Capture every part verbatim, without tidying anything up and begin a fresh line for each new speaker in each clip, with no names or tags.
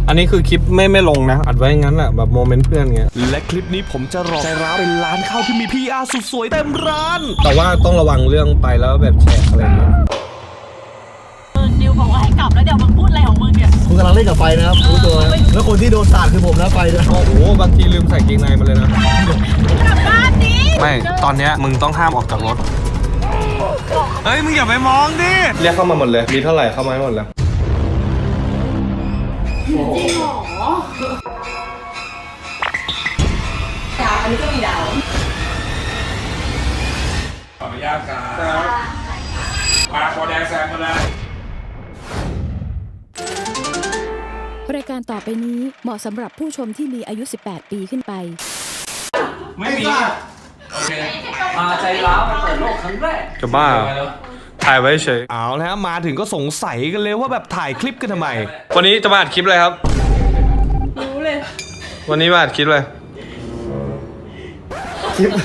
อันนี้คือคลิปไม่ไม่ลงนะอัดไว้งั้นแหละแบบโมเมนต์เพื่อนเงี้ย
และคลิปนี้ผมจะรอใจร้าวเป็นร้านข้าวที่มี พี อาร์ สุดสวยเต็มร้าน
แต่ว่าต้องระวังเรื่องไปแล้วแบบแชร์อะไรเงี้ย
นิวบอกว่าให้กลับแล้วเดี๋ยวมึงพูดอะไรของมึงเนี่ย
คุณกำลังเล่นกับไฟนะครับรู้ตัวแล้วคนที่โดนสาดคือผมนะไฟด้วย
โอ้โหบางทีลืมใส่เกงในมาเลยนะ
กลับบ้านดิ
ไม่ตอนเนี้ยมึงต้องห้ามออกจากรถเฮ้ยมึงอย่าไปมองดิเรียกเข้ามาหมดเลยมีเท่าไหร่เข้ามาหมดแล้ว
จริงเหรอดาวอันนี้ก็มีดาว
ขออนุญาตครับมาโคแดงแซงมาเลย
รายการต่อไปนี้เหมาะสำหรับผู้ชมที่มีอายุสิบแปดปีขึ้นไป
ไม่มีโอเค
มาใจร้าวมาเปิดโลกครั้งแรก
จะบ้าถ่ายไว้เฉย
เอาแล้วมาถึงก็สงสัยกันเลยว่าแบบถ่ายคลิปกันทำไม
วันนี้จะมาอัดคลิปเลยครับ
รู้เลย
วันนี้มาอัดคลิปเลย
คลิป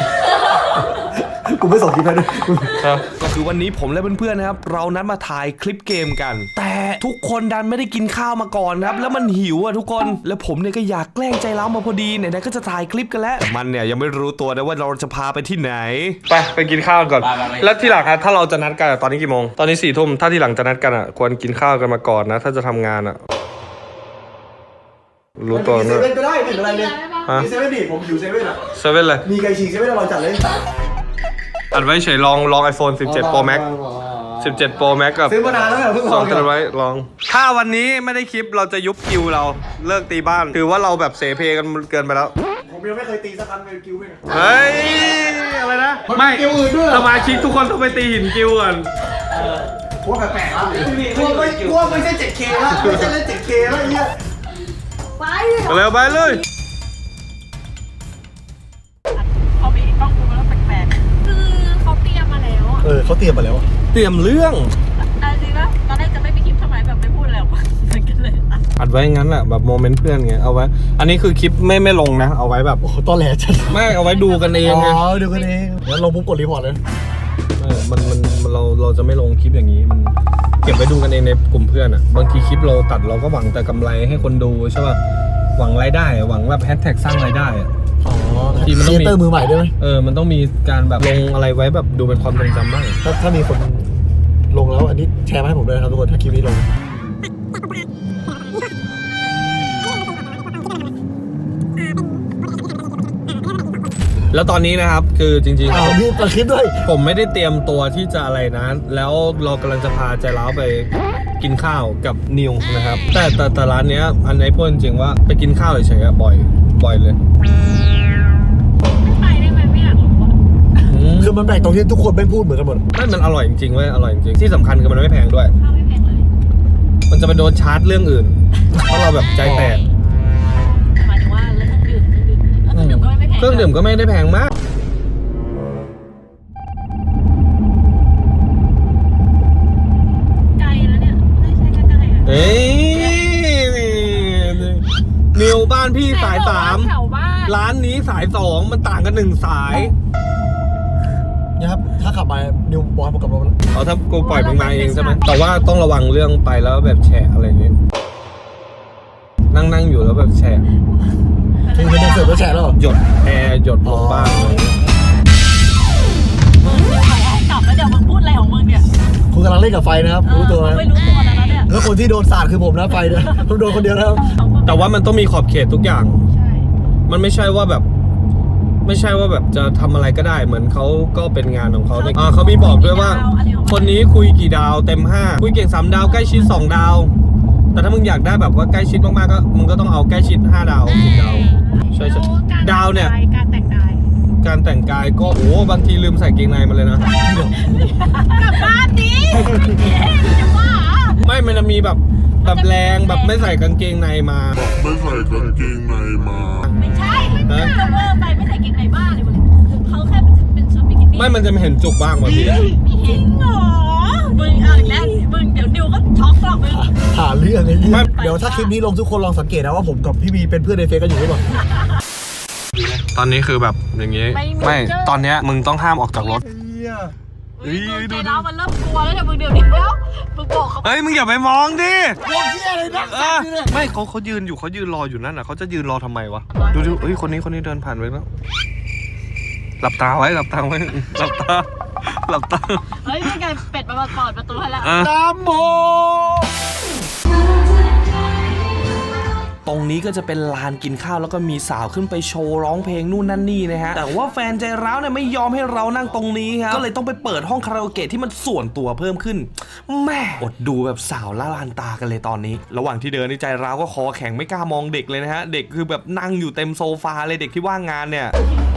กูไม่ส่งคลิปให้ด้วย
ก็คือวันนี้ผมและเพื่อนๆนะครับเรานัดมาถ่ายคลิปเกมกันแต่ทุกคนดันไม่ได้กินข้าวมาก่อนครับแล้วมันหิวอ่ะทุกคนแล้วผมเนี่ยก็อยากแกล้งใจร้าวมาพอดีไหนๆก็จะถ่ายคลิปกันแล้วแต่มันเนี่ยยังไม่รู้ตัวนะว่าเราจะพาไปที่ไหน
ไปไปกินข้าวก่อนแล้วที่หลังถ้าเราจะนัดกันตอนนี้กี่โมงตอนนี้สี่ทุ่มถ้าที่หลังจะนัดกันอ่ะควรกินข้าวกันมาก่อนนะถ้าจะทำงานอ่ะรู้ตัว
เซเว่นก็ได้ไม่เป็นไรเลยมีเซเว่นดิผมอยู่เซเว่นอ่ะ
เซเว่นเลย
มีไก่ฉีกเซเว่นอร่อยจัดเลย
อัดไว้เฉยลองลอง iPhone สิบเจ็ด Pro Max สิบเจ็ด Pro Max กับ
ซื้อมานานแล้วเพิ่ง
ลองกันไว้ลองถ้าวันนี้ไม่ได้คลิปเราจะยุบคิวเราเลิกตีบ้านถือว่าเราแบบเสเพกันเกินไปแล้ว
ผมยังไม่เคยตีสักครั้งเลยคิวไม่
เฮ้ยอะไรนะไม่
คิวอื่นด้วย
สมาชิกทุกคนต้องไปตีหินคิวก่อน
พวกแปลกๆแล้วพวกไม่พวกไม่ใช่ เจ็ดเค แล้วไม่ใช่เล่น เจ็ดเค แล้วไอ้เหี้ย
ไป
เร็วไปเลย
เขามีกล้องดูแล้วแปลกๆคือเขาเตรียมมาแล้วอ่ะ
เออเขาเตรียมมาแล้ว
เตรียมเรื่อง
อะไรจริงป่ะตอนแรกจะไม่มีคลิปทำไมแบบไม่พูดอะไรออกมาเหมือนกันเลย
อัดไว้งั้นแหละแบบโมเมนต์เพื่อนไงเอาไว้อันนี้คือคลิปไม่ไม่ลงนะเอาไว้แบบ
โอ้ตอนแหลจัด
ไม่เอาไว้ดูกันเองไง
อ๋อดูกันเองเดี๋ยวลงปุ๊บกดรีพอร์ตเลย
เออมันมันเราเราจะไม่ลงคลิปอย่างนี้มันเก็บไว้ดูกันเองในกลุ่มเพื่อนอ่ะบางทีคลิปเราตัดเราก็หวังแต่กำไรให้คนดูใช่ป่ะหวังรายได้หวังแบบแฮชแท็กสร้างรายได้
อ๋อทีมันต้องมีเตอร์มือใหม่ด้วยไหม
เออมันต้องมีการแบบลงอะไรไว้แบบดูเป็นความทรงจำบ้าง
ถ้าถ้ามีคนลงแล้วอันนี้แชร์มาให้ผมด้วยนะครับทุกคนถ้าคลิปนี้ลง
แล้วตอนนี้นะครับคือจริงๆ
อ้าวมีตัดคลิปด้วย
ผมไม่ได้เตรียมตัวที่จะอะไรนะแล้วเรากำลังจะพาใจร้าวไปกินข้าวกับนิวนะครับแต่แต่แต่ร้านเนี้ยอันไหนพูดจริงว่าไปกินข้าวเฉยๆบ่อยบ่อยเลย
ไม่ไปได้ไหมไม่อยากรู้อ่ะ
คือมันแปลกตรงที่ทุกคนไม่พูดเหมือนกันหมด
ไม่มันอร่อยจริงๆเว้ยอร่อยจริงที่สำคัญคือมันไม่แพงด้วย
ข้าวไม่แพงเลย
มันจะไปโดนชาร์จเรื่องอื่นเพราะเราแบบใจแตก
หมายถึงว่าเรื่องดื่มเครื่องดื่มก็ไม่แพง
เครื่องดื่มก็ไม่ได้แพงมาก
ไกลแล้วเนี่ยไม่ใช่แค่ไกลนะ
เฮ้ยนิวบ้านพี่สายสามร้านนี้สายสองมันต่างกันหนึ่งสาย
นะครับถ้าขับมานิวบอสมากับรถ
เอาถ้ากูปล่อยมึงมาเองใช่ไหมแต่ว่าต้องระวังเรื่องไปแล้วแบบแฉะอะไรอย่างงี้นั่งนั่งอยู่แล้วแบบแฉะ
คือเป็นเสิร์ฟแล้วแฉะแล้ว
หยดแอร์หยดลงบ้างเลย
มึงนิวบอกว่าให้กลับแล้วเดี๋ยวมึงพูดอะไรของมึงเนี่ย
คุณกำลังเล่นกับไฟนะครับรู้ตัวไหม
ไม่รู้ตัวแล้วเนี่ย
แล้วคนที่โดนสาดคือผมนะไฟด้วยผมโดนคนเดียวนะครับ
แต่ว่ามันต้องมีขอบเขตทุกอย่างใช่มันไม่ใช่ว่าแบบไม่ใช่ว่าแบบจะทำอะไรก็ได้เหมือนเขาก็เป็นงานของเขาอ่าเขามีบอกด้วยว่าคนนี้คุยกี่ดาวเต็มห้าคุยเก่งสามดาวใกล้ชิดสองดาวแต่ถ้ามึงอยากได้แบบว่าใกล้ชิดมากๆก็มึงก็ต้องเอาใกล้ชิดห้าดาวสิบดาวใช่ใช่ดาวเนี่ย
การแต่งกาย
การแต่งกายก็โอ้บางทีลืมใส่เกงในมาเลยนะ
กลับบ้านดิจะว่า
ไม่มันจะมีแบบแบบแรงแบบไม่ใส่กางเกงในมา
ไม่ใส่กางเกงในมา
ไม่ใช่ไม่ใช่เวอร์ไปไม่ใส่กางเกงในบ้าเลยมึงเขาแค่เป็นชุดบิกินี่
ไม่มันจะไม่เห็นจุกบ้างบางที
ไม่เห็นหรอมึงเอาอีกแล้วมึงเดี๋ยวนิวก็ช็อกหรอกมึง
หาเรื่องไอ้นี่เดี๋ยวถ้าคลิปนี้ลงทุกคนลองสังเกตนะว่าผมกับพี่บีเป็นเพื่อนในเฟซกันอยู่หรือเปล่า
ตอนนี้คือแบบอย่างงี้ไม่ตอนเนี้ยมึงต้องห้ามออกจากรถเฮ้ย
ใจ
ดู
ร้าวมันเริ่มกลัวแล้วเนี่ยมึงเดี๋ยวนี้แล้วมึงบอกเขา
เฮ้ยมึงอย่าไปมองดิ
พวกเหี้ยอะไรนัก
เออไม่เขาเขายืนอยู่เขายืนรออยู่นั่นน่ะเขาจะยืนรอทำไมวะดูดูเฮ้ยคนนี้คนนี้เดินผ่านไปแล้วหลับตาไว้หลับตาไว้หลับตาหลับตา
เฮ้ยนี่ไงเป็ดมาเปิดประตูให้แล้ว
อ่ะ
น้ำโม
ตรงนี้ก็จะเป็นลานกินข้าวแล้วก็มีสาวขึ้นไปโชว์ร้องเพลงนู่นนั่นนี่นะฮะแต่ว่าแฟนใจร้าวเนี่ยไม่ยอมให้เรานั่งตรงนี้ครับก็เลยต้องไปเปิดห้องคาราโอเกะที่มันส่วนตัวเพิ่มขึ้นแม่อดดูแบบสาวละลานตากันเลยตอนนี้ ระหว่างที่เดินในใจร้าวก็คอแข็งไม่กล้ามองเด็กเลยนะฮะเด็กคือแบบนั่งอยู่เต็มโซฟาเลยเด็กที่ว่างงานเนี่ย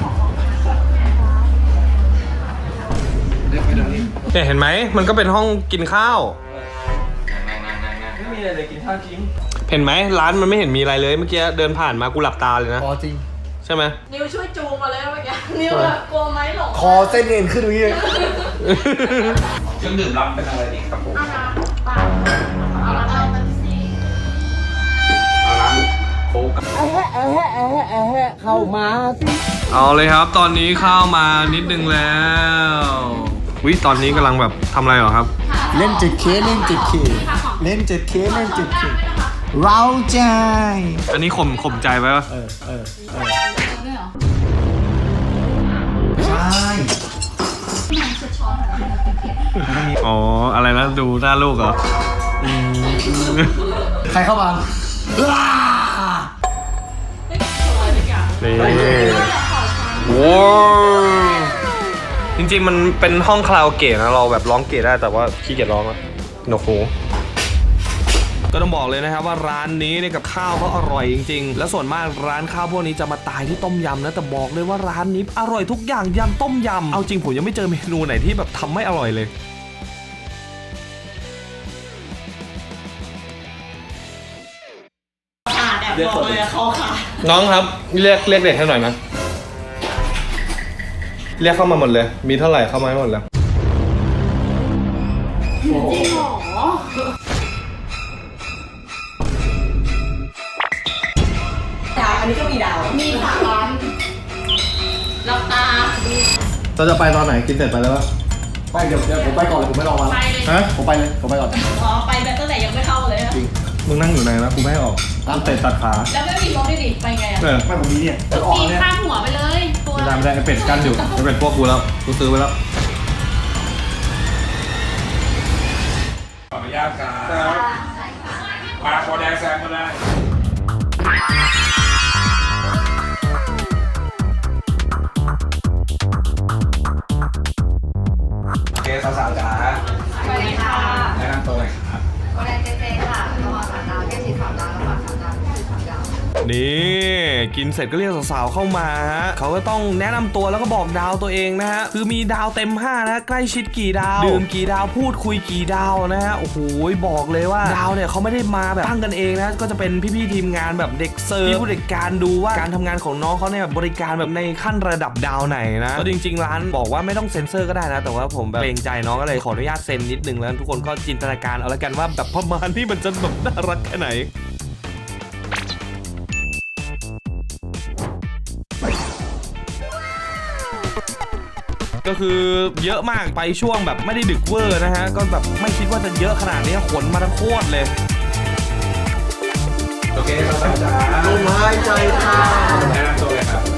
เนี่ยเห็นไหมมันก็เป็นห้องกินข้าว
ไม่มีอะไรเลยกินข้าวจริง
เห็นไหมร้านมันไม่เห็นมีอะไรเลยเมื่อกี้เดินผ่านมากูหลับตาเลยนะ
อ๋อจริง
ใช่ไหม
นิวช่วยจูงมาเลยเมื่อกี้นิวแบบกลัวไหมหลง
คอเส้นเอ็นขึ้นตรงนี้เลย
เครื่องดื่มรับเป็นอะไรดีครับผม
เอาน้ำเปล่าเอาน้ำเอาเป็นสี
เอาร้านโค้ก
เอาเลยครับตอนนี้เข้ามานิดนึงแล้ววิตอนนี้กำลังแบบทำอะไรเหรอครับ
เล่นเจ็ดเคเล่นเจ็ดเคเล่นเจ็ดเคเล่นเจ็ดเคเราใจ
อันนี้ข่มข่มใจไว้ปะ
เออเออเออใช่
อ๋ออะไรนะดูหน้าลูกเหรอ
ใครเข้ามาว้า
นี่ว้าวจริงๆมันเป็นห้องคาราโอเกะนะเราแบบร้องเกะได้แต่ว่าขี้เกียจร้องอะหนวกหูก็ต้องบอกเลยนะครับว่าร้านนี้เนี่ยกับข้าวเขาอร่อยจริงๆและส่วนมากร้านข้าวพวกนี้จะมาตายที่ต้มยำนะแต่บอกเลยว่าร้านนี้อร่อยทุกอย่างยันต้มยำเอาจริงผมยังไม่เจอเมนูไหนที่แบบทำไม่อร่อยเลยน้องครับเรียกเรียกเด็กให้หน่อยนะเรียกเข้ามาหมดเลยมีเท่าไหร่เข้ามาให้หมดเลย
ดาวอันนี้ก็มีดาวมีค่ะร้านหลับตา
เราจะไปตอนไหนกินเสร็จไปแล้วปะไปเดี๋ยวเดี๋ยวผมไปก่อนเลยผมไม่รอมา
ไปเลย
ฮะ
ผมไปเลยผมไปก่อน
อ๋อไปแบบตั้งแต่ยังไม่เข้าเลยอะ
จริง
มึงนั่งอยู่ไหนนะกูไม่ให้ออกร้านเตะตัดขา
แล้วไม่มีรถด้วยดิไปไงอะ
เออ
ไม่ผมมีเนี่ยจะออก
ปีน
เนี่ย
ข้ามหัวไปเลยตัว
ไม่ได้ไม่ได้ไอเป็ดกั้นอยู่ไอเป็ดพวกกูแล้วกูซื้อไปแล้ว
ขออนุญาตครับมาปอแดงแซมมาเลยโอเคสาวๆจ๋า
สวัสดีค่ะ
แนะนำตัวหน่อยครับ
โบแดงเจเจค่ะกระเพาะสามดาวแก้ฉีดสามดาวแล้วก็สามดาวแก้ฉีดสามดาว
นี่กินเสร็จก็เรียกสาวๆเข้ามาฮะเขาก็ต้องแนะนำตัวแล้วก็บอกดาวตัวเองนะฮะคือมีดาวเต็มห้านะใกล้ชิดกี่ดาวดื่มกี่ดาวพูดคุยกี่ดาวนะฮะโอ้โหบอกเลยว่าดาวเนี่ยเขาไม่ได้มาแบบตั้งกันเองนะก็จะเป็นพี่ๆทีมงานแบบเด็กเสิร์ฟพี่ผู้จัดการดูว่าการทำงานของน้องเขาเนี่ยบริการแบบในขั้นระดับดาวไหนนะก็จริงๆร้านบอกว่าไม่ต้องเซ็นเซอร์ก็ได้นะแต่ว่าผมแบบเกรงใจน้องก็เลยขออนุญาตเซ็นนิดนึงแล้วทุกคนก็จินตนาการเอาละกันว่าแบบประมาณที่มันจะแบบน่ารักแค่ไหนก็คือเยอะมากไปช่วงแบบไม่ได้ดึกเวอร์นะฮะก็แบบไม่คิดว่าจะเยอะขนาดนี้ขนมาทั้งโคตรเลย
โอเคสาวๆจ๋า
ลมหายใจเข้า
แนะนำตัวเลยครับ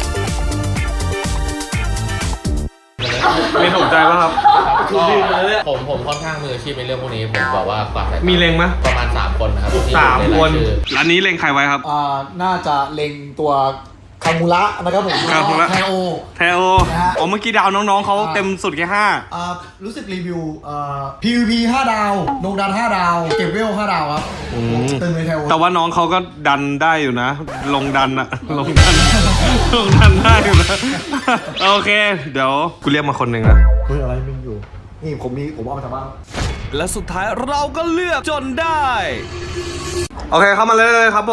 ไม่ถูกใจป่ะครับ
ผมผมค่อนข้างมืออาชีพในเรื่องพวกนี้ผมบอกว่ากวาดสายตา
มีเลงไหม
ประมาณสามคนนะครับที่
สาม
อยู่
คน
ใรายชื่อ
ร้านนี้เลงใครไว้ครับ
อ่าน่าจะเล็งตัวคามูระนะครับผม
คามูระ
แทโอ
แทโอ
นะฮะ
อ๋อเมื่อกี้ดาวน้องๆเขาเต็มสุดแค่ห้า
อ่ารู้สึกรีวิวอ่า พี วี พี ห้าดาวลงดันห้าดาว เก็บเวลห้าดาวครับ
อืม
ตึงเลยแทโอ
แต่ว่าน้องเขาก็ดันได้อยู่นะ ลงดันอะลงดัน ลงดันได้อยู่นะ โอเค เดี๋ยวกูเรียกมาคนหนึ่งนะ
เฮ้ยอะไรมึงอยู่ นี่ผมมีผมเอามาจากบ้าน
และสุดท้ายเราก็เลือกจนได้
โอเคเข้ามาเลยเลยครับผม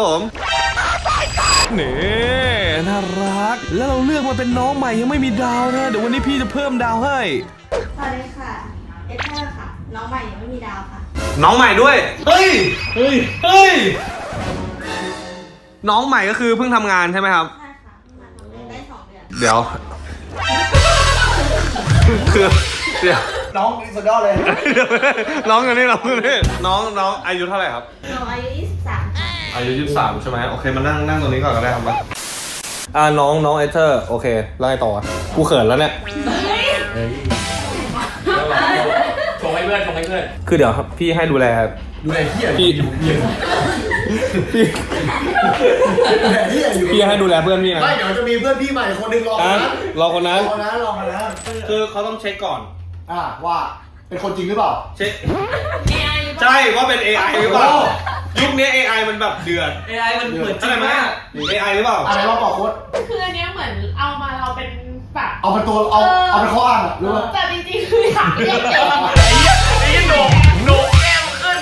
นี่น่ารักแล้วเราเลือกมาเป็นน้องใหม่ยังไม่มีดาวนะเดี๋ยววันนี้พี่จะเพิ่มดาวให้
สวัสดีค่ะ เอเธอร์ค่ะ น้องใหม่ยังไม่มีดาวค่ะ
น้องใหม่ด้วย เฮ้ย เฮ้ย เฮ้ย น้องใหม่ก็คือเพิ่งทำงานใช่ไหมครับ
ใช่ค่ะเพิ่งมาทำงานได้สองเดือน
เดี๋ยว คือเดี๋ยว
น้องนี่สุดยอดเลย
น้องกันนี่น้องกันนี่น้องน้องอายุเท่าไหร่ครับ
หนูอายุยี่สิบสามค่ะ
อายุยี่สิบสามใช่ไหมโอเคมานั่งนั่งตรงนี้ก่อนก็ได้ครับมาอ่าน้องน้องเอเธอร์โอเคแล้วไงต่อกูเขินแล้วเนี่ย
ชงให้เพื่อนชงให้เพื่อน
คือเดี๋ยวครับพี่ให้ดูแล
ดูแลเฮีย
พี่พี่
ดูแลเฮียอยู่
พี่ให้ดูแลเพื่อนพี่นะ
ไม่เดี๋ยวจะมีเพื่อนพี่ใหม่คนหนึ่งรอคน
อ่ะ
นั้น
รอคนนั้น
รอคนนั้นรอคนนั้น
คือเขาต้องเช็คก่อน
อ่าว่าเป็นคนจริงหรือเปล่า
เช็ค
เอไอ
ใช่ว่าเป็น เอ ไอ หรือเปล่ายุคนี้ เอ ไอ มันแบบเดือด
เอไอมันเหมือนจริ
ใช่
ง
ไหม
มาก
เอ ไอ หรือเปล่า
อะไรเราบอกโค้ด
คืออันเนี้ยเหมือนเอามาเราเป็นแบบ
เอาเป็นตัวเอาเอาเป็นข้ออ้างอะรู้ไหม
แต่จริงๆคืออยากเล่นเกม
ไอ้โหนกโหนกแก้มขึ้น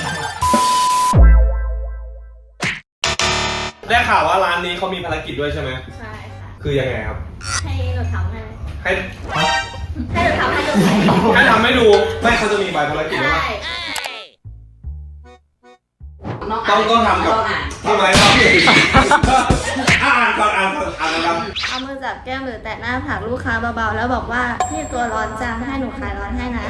ได้ข่าวว่าร้านนี้เขามีภารกิจด้วยใช่ไหม
ใช่ค่ะ
คือยังไงครับ
ให้หนูทำให้
ให้
ให้หนูทำให้ดู
ให้ทำให้ดู ไม่เขาจะมีใบภารกิจไหม
ใช่
ต้องต้องทำกับพี่ไม้ป่ะอ่านก่อนอ่านก่อนอ่านกัน
เอามือจับแก้มหรือแตะหน้าผากลูกค้าเบาๆแล้วบอกว่าพี่ตัวร้อนจังให้หนูคลายร้อนให้นะ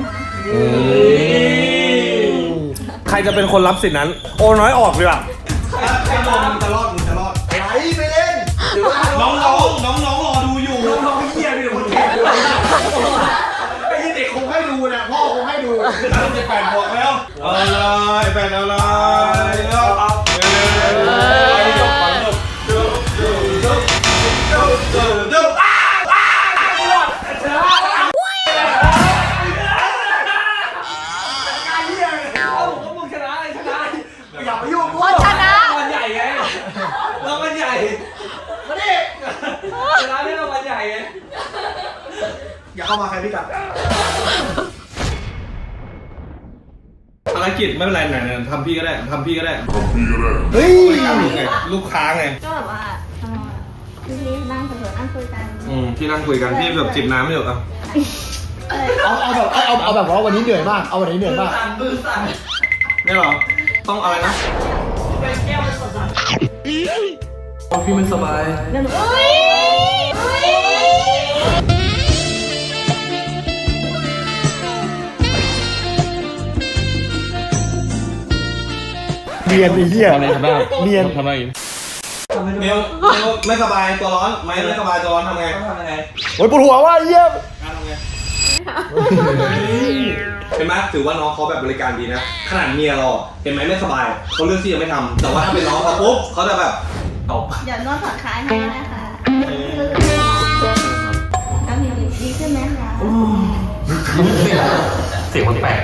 ใครจะเป็นคนรับสิทธินั้น โอ้น้อยออกดีกว่า
ใครมองมึงจะรอดมึงจะรอดไหลไปเล่นหรือว่า
น้องน้องน้องน้องรอดูอยู่
น้องเฮียมีแต่คนแก่ด้วยไอ้เด็กคงให้ดูนะพ่อคงให้ดู
จะแปดบวกแล้วเอาเลยแปดเอาเลยเอาเอาเออจบก่อนจบจบจบจบจบจบอ้าวอ้าวชนะ
การเฮีย
เอาผมว่ามึงชนะเลยชนะ
อย่าไปยุ่งกู
ชนะ
รางวัลใหญ่ไงรางวัลใหญ่
มาดิ
ชนะได้รางวัลใหญ่ไง
อย่าเข้ามาใครพี่กัด
ภารกิจไม่เป็นไรไหนๆทำพี่ก็ได้ทำพี่ก็ได้
เฮ้ย
ลูกค้าไง
ก็แบบว่าเอ่อพี่พี่นั่งเฉยๆนั่งคุยกัน
อืมพี่นั่งคุยกันพี่แบบจิบน้ำไม่อยู่อ่ะ
เอาเอาแบบเอาเอาแบบว่าวันนี้เหนื่อยมากเอาวันนี้เหนื่อยมาก
มือสั่น
นี่หรอต้องอะไรนะ
แก้วมันสดใส
พี่มันสบาย
เฮ้ยเฮ้ย
เนียนไอ้เหี้ยเนียน
ทำไม
เมลเมลไม่สบายตัวร้อนไม่ไม่สบายตัวร้อนทำไง
ทำยังไง
โอ้ยปวดหัวว่ะไอ้เหี้ย
ทำไงเห็นไหมถือว่าน้องเขาแบบบริการดีนะขนาดเมียเราเห็นไหมไม่สบายเขาเลือกที่จะไม่ทำแต่ว่าถ้าเป็นน้องเขาปุ๊บเขาจะแบบตบ
เดี๋ยวนวดผ่อนคลายให้นะคะแล้วมีดีขึ้นไหมคะ
เสียงมันแปลก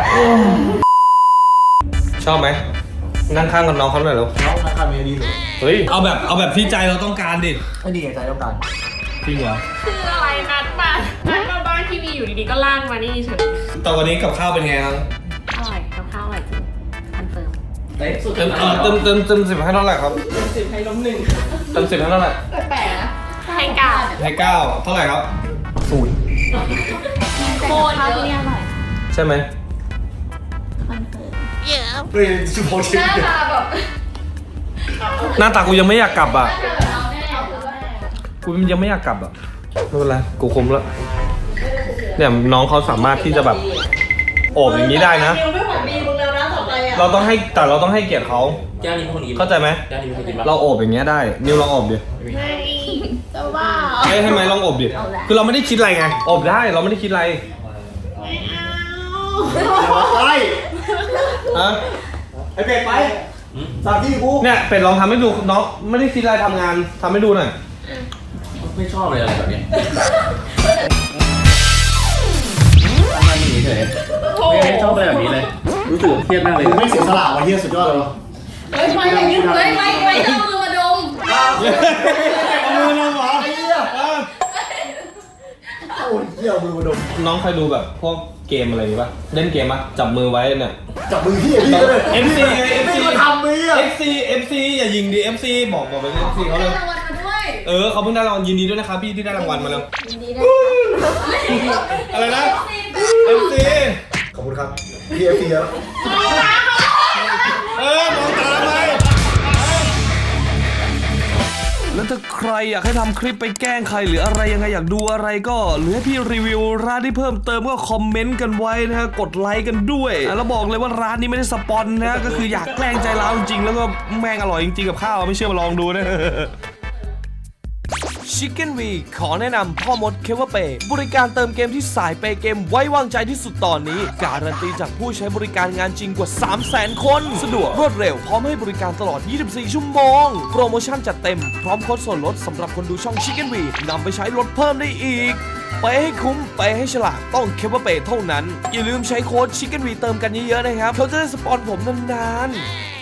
ชอบไหมนั่งข้างกับน้องเขาหน่อยแล้ว
น้องราคาเมียดีเลย
เฮ้ยเอาแบบเอาแบบที่ใจเราต้องการดิ
ไม่ดีไงใจต้องการ
จริงเหรอ
คืออะไรนัดมานัดมาบ้านที่มีอยู่ดีๆก็ล่างมานี่เฉย
แต่วันนี้กับข้าวเป็นไงครับ
อร่อยกับข้าวอร่อยจริงคอนเฟิร์ม
เต็มสุด
เต็มเต็มเต็มเต็มสิบให้เท่าไหร่ครับ
สิบให้ล้มหนึ่ง
เต็มสิบให้เท่าไหร่
แปลกๆนะให้เก้า
ให้เก้าเท่าไหร่ครับศูนย์
โคตร
ข้าว
เย
ที่นี่
อะ
อร่อย
ใช่ไหม
คอนเฟิร์ม
เฮ้ยชิโพชิ
หน้าตาแบบ
หน้าตากูยังไม่อยากกลับอ่ะ
เอาแน่เอาแน่
กูยังไม่อยากกลับอ่ะไม่เป็นไรกูคุ้มแล้วเนี่ยน้องเขาสามารถที่จะแบบโอบอย่างนี้ได้นะ
นิวไม่เหมือนมีมึงแล้วนะต่อไปอ่ะ
เราต้องให้แต่เราต้องให้เกียรติเขา
แก้วนี้เป็นคนกิน
เข้าใจไหม
แก้วนี้เป็นคนกินปะ
เราโอบอย่างเงี้ยได้นิวลองโอบดิ
ไม่จะว่า
ให้ให้ไหมลองโอบดิคือเราไม่ได้คิดอะไรไงโอบได้เราไม่ได้คิดอะไร
ไม่เอา
ไป
ฮะ
ไอ้เป็ดไปสามที่กู
เนี่ยเป็ดลองทำให้ดูน้องไม่ได้คิดอะไรทำงานทำให้ดูหน่อย
ไม่ชอบเลยอะไรแบบนี้ทำไมมึงเฉยไม่ชอบอะไรแบบนี้เลย รู้สึกเครียดมากเลย
ไม่เสียสละว่ะเฮียสุดยอดเลยวะ
เฮ้ยไม่ไม่ยึดเลยไม่ไม่ต้องมือมาดม
เอามือลงเหรอไอ้เหี้ยโอ้ยเหี้ยเอามือมาดม
น้องเคยดูแบบพวกเกมอะไรป่ะเล่นเกมป่ะจับมือไว้เนี่ย
จับมือพี่พี่ก็เลย
เอฟซีไง เอฟซี
พี่ก็ทำมืออ่ะ
เอฟซีเอฟซีอย่ายิงดิ เอฟซี บอกบอกไปเอฟซีเขาเลย
รางวัลมาด้วย
เออเขาเพิ่งได้รางวัลยินดีด้วยนะครับพี่ที่ได้รางวัลมาแล้ว
ยินดีด้วยค่ะ
อะไรนะ เอฟซี
ขอบคุณครับพี่เอฟซีแล้ว
เออมองตาไป
แล้วถ้าใครอยากให้ทำคลิปไปแกล้งใครหรืออะไรยังไงอยากดูอะไรก็หรือให้พี่รีวิวร้านที่เพิ่มเติมก็คอมเมนต์กันไว้นะฮะกดไลค์กันด้วยแล้วบอกเลยว่าร้านนี้ไม่ได้สปอนนะก็คืออยากแกล้งใจร้าวจริงๆแล้วก็แม่งอร่อยจริงๆกับข้าวไม่เชื่อมาลองดูนะChicken V ขอแนะนำพ่อมดเคเวอร์เปย์บริการเติมเกมที่สายเปย์เกมไว้วางใจที่สุดตอนนี้การันตีจากผู้ใช้บริการงานจริงกว่า สามแสน คนสะดวกรวดเร็วพร้อมให้บริการตลอด ยี่สิบสี่ ชั่วโมงโปรโมชั่นจัดเต็มพร้อมโค้ดส่วนลดสำหรับคนดูช่อง Chicken V นำไปใช้ลดเพิ่มได้อีกไปให้คุ้มไปให้ฉลาดต้องเคเวอร์เปย์เท่านั้นอย่าลืมใช้โค้ด Chicken V เติมกันเยอะๆนะครับเขาจะได้สปอนผมนานๆ